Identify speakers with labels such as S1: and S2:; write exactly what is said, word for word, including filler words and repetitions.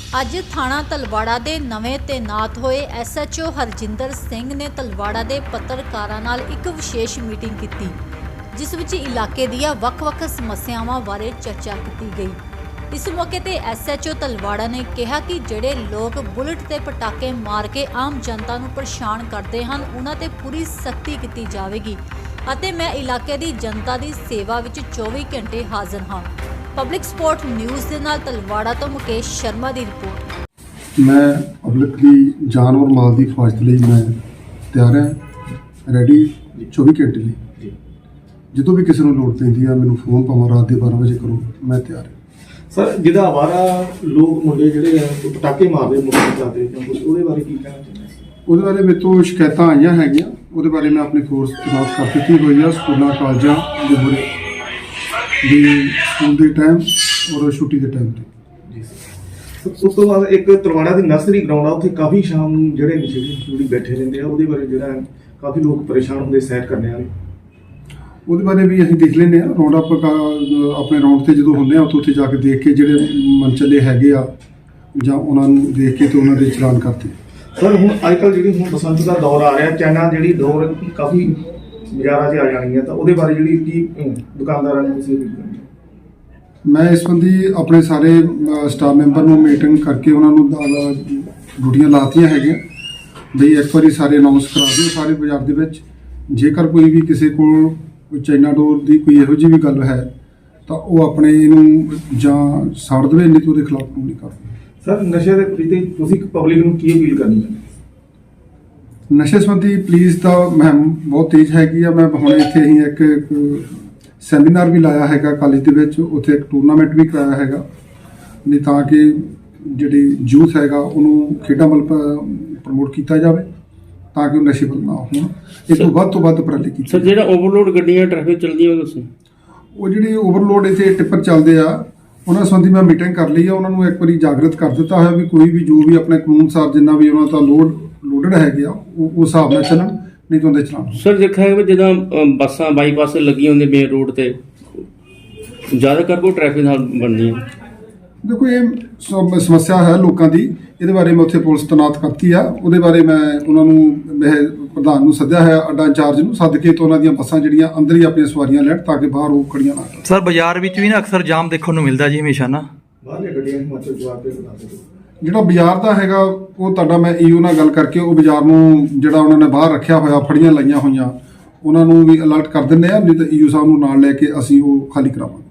S1: ਅੱਜ ਥਾਣਾ ਤਲਵਾੜਾ ਦੇ ਨਵੇਂ ਤੈਨਾਤ ਹੋਏ S H O Harjinder Singh ਨੇ ਤਲਵਾੜਾ ਦੇ ਪੱਤਰਕਾਰਾਂ ਨਾਲ ਇੱਕ ਵਿਸ਼ੇਸ਼ ਮੀਟਿੰਗ ਕੀਤੀ, ਜਿਸ ਵਿੱਚ ਇਲਾਕੇ ਦੀਆਂ ਵੱਖ-ਵੱਖ ਸਮੱਸਿਆਵਾਂ ਬਾਰੇ ਚਰਚਾ ਕੀਤੀ ਗਈ। ਇਸ ਮੌਕੇ ਤੇ ਐਸ ਐਚ ਓ ਤਲਵਾੜਾ ਨੇ ਕਿਹਾ ਕਿ ਜਿਹੜੇ ਲੋਕ ਬੁਲਟ ਤੇ ਪਟਾਕੇ ਮਾਰ ਕੇ ਆਮ ਜਨਤਾ ਨੂੰ ਪਰੇਸ਼ਾਨ ਕਰਦੇ ਹਨ, ਉਹਨਾਂ ਤੇ ਪੂਰੀ ਸਖਤੀ ਕੀਤੀ ਜਾਵੇਗੀ ਅਤੇ ਮੈਂ ਇਲਾਕੇ ਦੀ ਜਨਤਾ ਦੀ ਸੇਵਾ ਵਿੱਚ ਚੌਵੀ ਘੰਟੇ ਹਾਜ਼ਰ ਹਾਂ। ਪਬਲਿਕ ਸਪੋਰਟ ਨਿਊਜ਼ ਦੇ ਨਾਲ ਤਲਵਾੜਾ ਤੋਂ ਮੁਕੇਸ਼ ਸ਼ਰਮਾ ਦੀ ਰਿਪੋਰਟ।
S2: मैं पब्लिक की जान और माल की हिफाजत ਲਈ मैं ਤਿਆਰ ਹਾਂ, ਰੈਡੀ ਚੌਵੀ ਘੰਟੇ ਲਈ। ਜਦੋਂ ਵੀ ਕਿਸੇ ਨੂੰ ਲੋੜ ਪੈਂਦੀ ਆ ਮੈਨੂੰ ਫੋਨ ਭਾਵੇਂ ਰਾਤ ਦੇ ਬਾਰਾਂ ਵਜੇ ਕਰੋ, ਮੈਂ ਤਿਆਰ ਹਾਂ।
S3: ਸਰ, ਜਿਹਦਾ ਆਵਾਰਾ ਲੋਕ ਮੁੰਡੇ ਜਿਹੜੇ ਆ ਪਟਾਕੇ ਮਾਰਦੇ ਮੁੰਡੇ ਜਾਂਦੇ ਕੁਝ ਉਹਦੇ ਬਾਰੇ ਕੀ ਕਹਿਣਾ ਚਾਹੁੰਦੇ?
S2: ਉਹਦੇ ਬਾਰੇ ਮੇਰੇ ਤੋਂ ਸ਼ਿਕਾਇਤਾਂ ਆਈਆਂ ਹੈਗੀਆਂ, ਉਹਦੇ ਬਾਰੇ ਮੈਂ ਆਪਣੀ ਫੋਰਸ ਤੈਨਾਤ ਕਰ ਦਿੱਤੀ ਹੋਈ ਆ। ਸਕੂਲਾਂ ਕਾਲਜਾਂ ਦੇ ਬੁਰੇ ਦੀ ਸਕੂਲ ਦੇ ਟਾਈਮ ਔਰ ਛੁੱਟੀ ਦੇ ਟਾਈਮ ਤੇ।
S3: ਜੀ ਸਰ, ਉਸ ਤੋਂ ਬਾਅਦ ਇੱਕ ਤਲਵਾੜਾ ਦੀ ਨਰਸਰੀ ਗਰਾਊਂਡ ਆ, ਉੱਥੇ ਕਾਫੀ ਸ਼ਾਮ ਨੂੰ ਜਿਹੜੇ ਨਸ਼ੇੜੀ ਬੈਠੇ ਰਹਿੰਦੇ ਆ, ਉਹਦੇ ਬਾਰੇ ਜਿਹੜਾ ਕਾਫੀ ਲੋਕ ਪਰੇਸ਼ਾਨ ਹੁੰਦੇ ਸੈਰ ਕਰਨੇ ਵਾਲੇ, ਉਹਦੇ
S2: ਬਾਰੇ ਵੀ ਅਸੀਂ ਦੇਖ ਲੈਂਦੇ ਹਾਂ। ਰਾਉਂਡ ਅਪ ਆਪਣੇ ਰਾਉਂਡ ਤੇ ਜਦੋਂ ਹੁੰਦੇ ਆ ਉੱਥੇ ਉੱਥੇ ਜਾ ਕੇ ਦੇਖ ਕੇ ਜਿਹੜੇ ਮਨਚਲੇ ਹੈਗੇ ਆ ਜਾਂ ਉਹਨਾਂ ਨੂੰ ਦੇਖ ਕੇ ਤੇ ਉਹਨਾਂ ਦੇ ਚਲਾਨ ਕਰਦੇ।
S3: ਸਰ, ਹੁਣ ਅੱਜ ਕੱਲ੍ਹ ਜਿਹੜੀ ਹੁਣ ਬਸੰਤ ਦਾ ਦੌਰ ਆ ਰਿਹਾ, ਚਾਈਨਾ ਜਿਹੜੀ ਦੌਰ ਕਾਫੀ ਬਾਜ਼ਾਰਾਂ 'ਚ ਆ ਜਾਣੀ ਹੈ, ਤਾਂ ਉਹਦੇ ਬਾਰੇ ਜਿਹੜੀ ਕੀ ਦੁਕਾਨਦਾਰਾਂ ਨੂੰ ਤੁਸੀਂ
S2: ਮੈਂ ਇਸ ਸੰਬੰਧੀ ਆਪਣੇ ਸਾਰੇ ਸਟਾਫ ਮੈਂਬਰ ਨੂੰ ਮੀਟਿੰਗ ਕਰਕੇ ਉਹਨਾਂ ਨੂੰ ਡਿਊਟੀਆਂ ਲਾਤੀਆਂ ਹੈਗੀਆਂ ਬਈ ਇੱਕ ਵਾਰੀ ਸਾਰੇ ਅਨਾਉਂਸ ਕਰਾ ਦਿਓ ਸਾਰੇ ਬਾਜ਼ਾਰ ਦੇ ਵਿੱਚ। ਜੇਕਰ ਕੋਈ ਵੀ ਕਿਸੇ ਕੋਲ ਕੋਈ ਚਾਈਨਾ ਡੋਰ ਦੀ ਕੋਈ ਇਹੋ ਜਿਹੀ ਵੀ ਗੱਲ ਹੈ ਤਾਂ ਉਹ ਆਪਣੇ ਇਹਨੂੰ ਜਾਂ ਸਾੜ ਦੇਵੇ, ਨਹੀਂ ਤਾਂ ਉਹਦੇ ਖਿਲਾਫ ਕਾਨੂੰਨੀ ਕਾਰਵਾਈ।
S3: ਸਰ, ਨਸ਼ੇ ਦੇ ਪ੍ਰਤੀ ਤੁਸੀਂ ਪਬਲਿਕ ਨੂੰ ਕੀ ਅਪੀਲ ਕਰਨੀ ਚਾਹੁੰਦੇ?
S2: ਨਸ਼ੇ ਸੰਬੰਧੀ ਪੁਲਿਸ ਦਾ ਮੁਹਿੰਮ ਬਹੁਤ ਤੇਜ਼ ਹੈਗੀ ਆ। ਮੈਂ ਹੁਣ ਇੱਥੇ ਹੀ ਇੱਕ ਸੈਮੀਨਾਰ ਵੀ ਲਾਇਆ ਹੈਗਾ ਕਾਲਜ ਦੇ ਵਿੱਚ, ਉੱਥੇ ਇੱਕ ਟੂਰਨਾਮੈਂਟ ਵੀ ਕਰਾਇਆ ਹੈਗਾ ਨਹੀਂ ਤਾਂ ਕਿ ਜਿਹੜੀ ਯੂਥ ਹੈਗਾ ਉਹਨੂੰ ਖੇਡਾਂ ਵੱਲ ਪ੍ਰਮੋਟ ਕੀਤਾ ਜਾਵੇ ਤਾਂ ਕਿ ਉਹ ਨਸ਼ੇ ਵੱਲ ਨਾ ਹੋਣ। ਇਹ ਤੋਂ ਵੱਧ ਤੋਂ ਵੱਧ ਉਪਰਾਲੇ ਕੀਤੇ।
S4: ਸਰ, ਜਿਹੜਾ ਓਵਰਲੋਡ ਗੱਡੀਆਂ ਟ੍ਰੈਫਿਕ ਚੱਲਦੀਆਂ ਉਹ ਦੱਸੋ।
S2: ਉਹ ਜਿਹੜੀ ਓਵਰਲੋਡ ਇੱਥੇ ਟਿੱਪਰ ਚੱਲਦੇ ਆ ਉਹਨਾਂ ਸੰਬੰਧੀ ਮੈਂ ਮੀਟਿੰਗ ਕਰ ਲਈ ਆ। ਉਹਨਾਂ ਨੂੰ ਇੱਕ ਵਾਰੀ ਜਾਗਰਤ ਕਰ ਦਿੱਤਾ ਹੋਇਆ ਵੀ ਕੋਈ ਵੀ ਜੋ ਵੀ ਆਪਣੇ ਕਾਨੂੰਨ ਅਨੁਸਾਰ ਜਿੰਨਾ ਵੀ ਉਹਨਾਂ ਦਾ ਲੋਡ ਲੋਡਡ ਹੈਗੇ ਆ ਉਹ ਉਸ ਹਿਸਾਬ ਨਾਲ ਚੱਲਣ, ਨਹੀਂ ਤਾਂ ਉਹਦੇ ਚਲਾਨ।
S4: ਸਰ, ਦੇਖਿਆ ਹੈ ਜਿੱਦਾਂ ਬੱਸਾਂ ਬਾਈਪਾਸ ਲੱਗੀਆਂ ਹੁੰਦੀਆਂ ਮੇਨ ਰੋਡ ਤੇ, ਜ਼ਿਆਦਾ ਕਰ ਕੋਈ ਟ੍ਰੈਫਿਕ ਨਾਲ ਬਣਦੀ ਹੈ।
S2: ਦੇਖੋ ਇਹ ਸਮ- ਸਮੱਸਿਆ ਹੈ ਲੋਕਾਂ ਦੀ, ਇਹਦੇ ਬਾਰੇ ਮੈਂ ਉੱਥੇ ਪੁਲਿਸ ਤੈਨਾਤ ਕਰਤੀ ਆ। ਉਹਦੇ ਬਾਰੇ ਮੈਂ ਉਹਨਾਂ ਨੂੰ ਮੈਂ ਪ੍ਰਧਾਨ ਨੂੰ ਸੱਦਿਆ ਹੈ, ਅੱਡਾ ਇੰਚਾਰਜ ਨੂੰ ਸੱਦ ਕੇ ਤੇ ਉਹਨਾਂ ਦੀਆਂ ਬੱਸਾਂ ਜਿਹੜੀਆਂ ਅੰਦਰ ਹੀ ਆਪਣੀਆਂ ਸਵਾਰੀਆਂ ਲੈਣ ਤਾਂ ਕਿ ਬਾਹਰ ਉਹ ਖੜੀਆਂ ਨਾ ਕਰਨ।
S5: ਸਰ, ਬਾਜ਼ਾਰ ਵਿੱਚ ਵੀ ਨਾ ਅਕਸਰ ਜਾਮ ਦੇਖਣ ਨੂੰ ਮਿਲਦਾ ਜੀ ਹਮੇਸ਼ਾ ਨਾ।
S3: ਬਾਹਰਲੀਆਂ ਗੱਡੀਆਂ ਹਿਮਾਚਲ ਜਵਾਬ ਦੇ ਬਣਾ ਦਿਓ।
S2: ਜਿਹੜਾ ਬਾਜ਼ਾਰ ਦਾ ਹੈਗਾ ਉਹ ਤੁਹਾਡਾ ਮੈਂ ਈਓ ਨਾਲ ਗੱਲ ਕਰਕੇ ਉਹ ਬਾਜ਼ਾਰ ਨੂੰ ਜਿਹੜਾ ਉਹਨਾਂ ਨੇ ਬਾਹਰ ਰੱਖਿਆ ਹੋਇਆ ਫੜੀਆਂ ਲਾਈਆਂ ਹੋਈਆਂ ਉਹਨਾਂ ਨੂੰ ਵੀ ਅਲਰਟ ਕਰ ਦਿੰਦੇ ਆ, ਨਹੀਂ ਤਾਂ ਈਓ ਸਾਹਿਬ ਨੂੰ ਨਾਲ ਲੈ ਕੇ ਅਸੀਂ ਉਹ ਖਾਲੀ ਕਰਾਵਾਂਗੇ।